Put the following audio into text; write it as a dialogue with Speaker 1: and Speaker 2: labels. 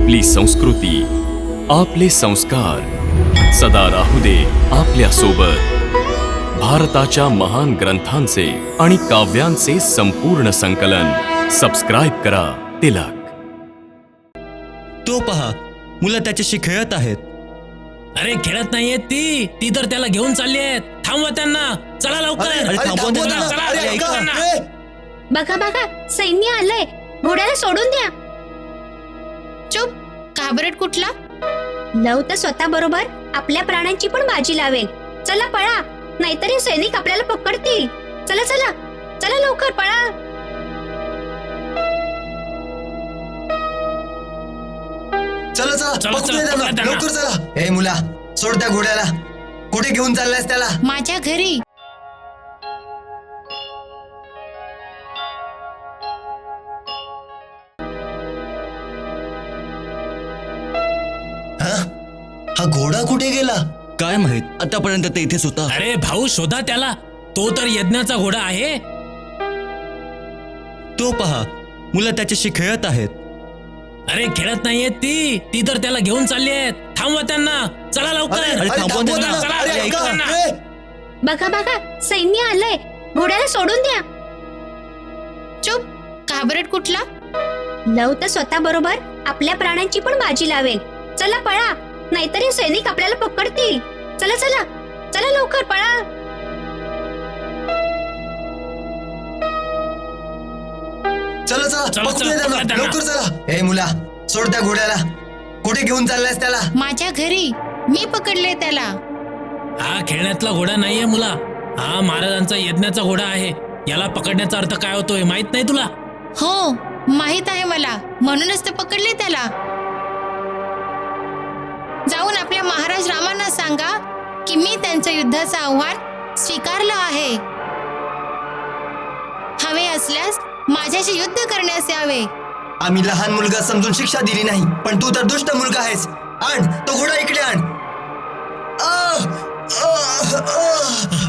Speaker 1: आपली संस्कृती, आपले संस्कार सदा राहू दे आपल्या सोबत. भारताच्या महान ग्रंथांचे आणि काव्यांचे संपूर्ण संकलन. सबस्क्राईब करा तिलक.
Speaker 2: तो पहा, मुलं त्याच्याशी खेळत आहेत.
Speaker 3: अरे खेळत नाहीये ती तर त्याला घेऊन चालली आहेत. थांबवा त्यांना, चला लवकर.
Speaker 2: अरे थांबवा त्यांना.
Speaker 3: चला,
Speaker 2: अरे
Speaker 3: लवकर
Speaker 2: ऐका.
Speaker 3: त्यांना.
Speaker 4: बघा बघा, सैन्य आलंय. घोड्याला सोडून द्या.
Speaker 5: चुप, घाबरट कुठला?
Speaker 4: लव तर स्वतः बरोबर आपल्या प्राणांची पण बाजी लावेल. चला पळा, नाहीतर हे सैनिक आपल्याला पकडतील. चला चला चला, लवकर पळा.
Speaker 6: चला चला,
Speaker 3: चला,
Speaker 6: पकडूया
Speaker 3: चला,
Speaker 6: त्यांना.
Speaker 3: त्यांना.
Speaker 6: लवकर चला. ए मुला, सोड त्या घोड्याला. कुठे घेऊन चाललायस त्याला?
Speaker 5: माझ्या घरी.
Speaker 6: हा घोडा कुठे गेला?
Speaker 2: काय माहित, आतापर्यंत ते इथेच होता.
Speaker 3: अरे भाऊ, शोधा त्याला. तो तर यज्ञाचा घोडा आहे.
Speaker 2: तो पहा, मुलं त्याच्याशी खेळत आहेत.
Speaker 3: अरे खेळत नाहीये ती तर त्याला घेऊन चालली आहेत. थांबवा त्यांना, चला लवकर.
Speaker 2: अरे थांबवा त्यांना.
Speaker 3: चला,
Speaker 6: अरे
Speaker 3: लवकर
Speaker 6: ऐका.
Speaker 3: त्यांना.
Speaker 6: ए,
Speaker 4: बघा बघा, सैन्य आलंय. घोड्याला सोडून द्या.
Speaker 5: चुप, घाबरट कुठला?
Speaker 4: लव तर स्वतः बरोबर आपल्या प्राणांची पण बाजी लावेल. चला पळा, नाहीतर हे सैनिक आपल्याला पकडतील. चला चला चला, लवकर पळा.
Speaker 6: चला चला,
Speaker 3: चला,
Speaker 6: पकडूया
Speaker 3: चला,
Speaker 6: त्यांना.
Speaker 3: त्यांना.
Speaker 6: लवकर चला. ए मुला, सोड त्या घोड्याला. कुठे घेऊन चाललायस त्याला?
Speaker 5: माझ्या घरी. मी पकडले त्याला.
Speaker 3: हा खेळण्यातला घोडा नाहीये मुला. हा महाराजांचा यज्ञाचा घोडा आहे. याला पकडण्याचा अर्थ काय होतोय माहित नाही तुला?
Speaker 5: हो, माहित आहे मला. म्हणूनच तर पकडले त्याला. जाऊन आपल्या महाराज रामांना सांगा की मी त्यांचं युद्धाचं आव्हान स्वीकारलं आहे. हवे असल्यास माझ्याशी युद्ध करण्यास यावे.
Speaker 6: आम्ही लहान मुलगा समजून शिक्षा दिली नाही, पण तू तर दुष्ट मुलगा आहेस. आण तो घोडा इकडे आण. आह! आह! आह!